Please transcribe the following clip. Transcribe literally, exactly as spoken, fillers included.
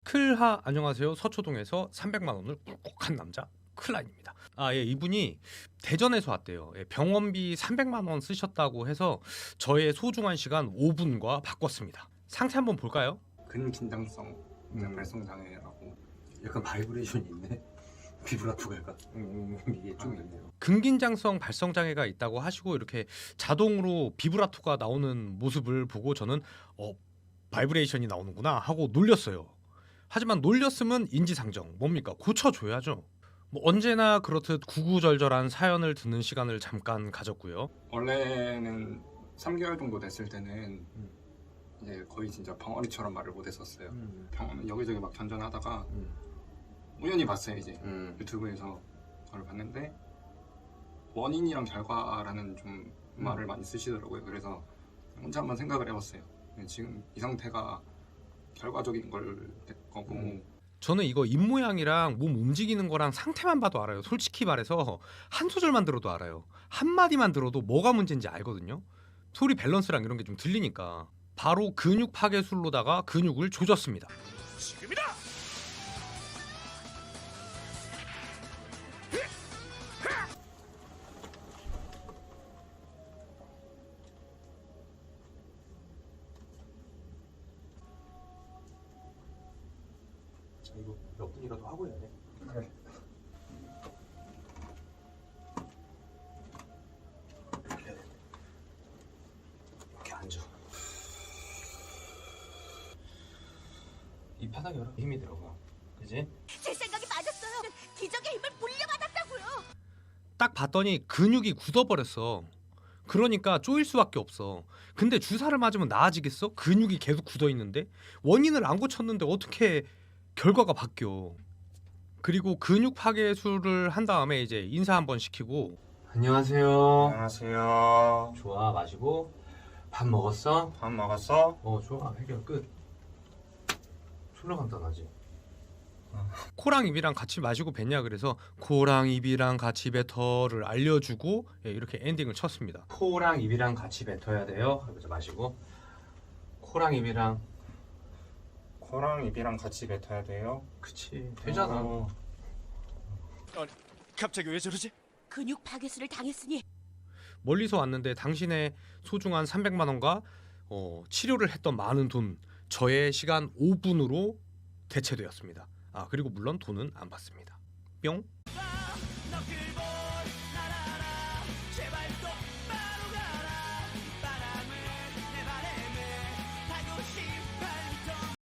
클하 안녕하세요. 서초동에서 삼백만 원을 꿀꺽한 남자 클라입니다. 아, 예, 이분이 대전에서 왔대요. 예, 병원비 삼백만 원 쓰셨다고 해서 저의 소중한 시간 오 분과 바꿨습니다. 상태 한번 볼까요? 근긴장성 음. 발성 장애라고. 약간 바이브레이션이 있네. 비브라토가 약간 음, 이게 좀 있네요. 근긴장성 발성 장애가 있다고 하시고 이렇게 자동으로 비브라토가 나오는 모습을 보고 저는 어 바이브레이션이 나오는구나 하고 놀렸어요. 하지만 놀렸으면 인지상정 뭡니까? 고쳐줘야죠. 뭐 언제나 그렇듯 구구절절한 사연을 듣는 시간을 잠깐 가졌고요. 원래는 삼 개월 정도 됐을 때는 이제 거의 진짜 벙어리처럼 말을 못했었어요. 음. 병원 여기저기 막 전전하다가 음. 우연히 봤어요. 이제 음. 유튜브에서 그걸 봤는데 원인이랑 결과라는 좀 음. 말을 많이 쓰시더라고요. 그래서 혼자 한번 생각을 해봤어요. 지금 이 상태가 결과적인 걸 거고 음. 저는 이거 입모양이랑 몸 움직이는 거랑 상태만 봐도 알아요. 솔직히 말해서 한 소절만 들어도 알아요. 한 마디만 들어도 뭐가 문제인지 알거든요. 소리 밸런스랑 이런 게 좀 들리니까 바로 근육 파괴술로다가 근육을 조졌습니다. 지금이다! 자, 이거 몇 분이라도 하고 해야 돼. 그래. 이렇게 해야 돼. 이렇게 앉아. 이 바닥에 여러 힘이 들어가. 그지? 제 생각이 맞았어요. 기적의 힘을 물려받았다고요. 딱 봤더니 근육이 굳어버렸어. 그러니까 쪼일 수밖에 없어. 근데 주사를 맞으면 나아지겠어? 근육이 계속 굳어있는데? 원인을 안 고쳤는데 어떻게 결과가 바뀌어. 그리고 근육 파괴술을 한 다음에 이제 인사 한번 시키고 안녕하세요. 안녕하세요. 좋아, 마시고. 밥 먹었어? 밥 먹었어? 어, 좋아. 해결 끝. 졸라 간단하지. 코랑 입이랑 같이 마시고 뱉냐 그래서 코랑 입이랑 같이 뱉어를 알려주고 예, 이렇게 엔딩을 쳤습니다. 코랑 입이랑 같이 뱉어야 돼요. 그래서 마시고. 코랑 입이랑. 코랑 입이랑 같이 뱉어야 돼요. 그치. 되잖아. 어. 갑자기 왜 저러지? 근육 파괴술을 당했으니 멀리서 왔는데 당신의 소중한 삼백만 원과 어, 치료를 했던 많은 돈 저의 시간 오 분으로 대체되었습니다. 아 그리고 물론 돈은 안 받습니다. 뿅.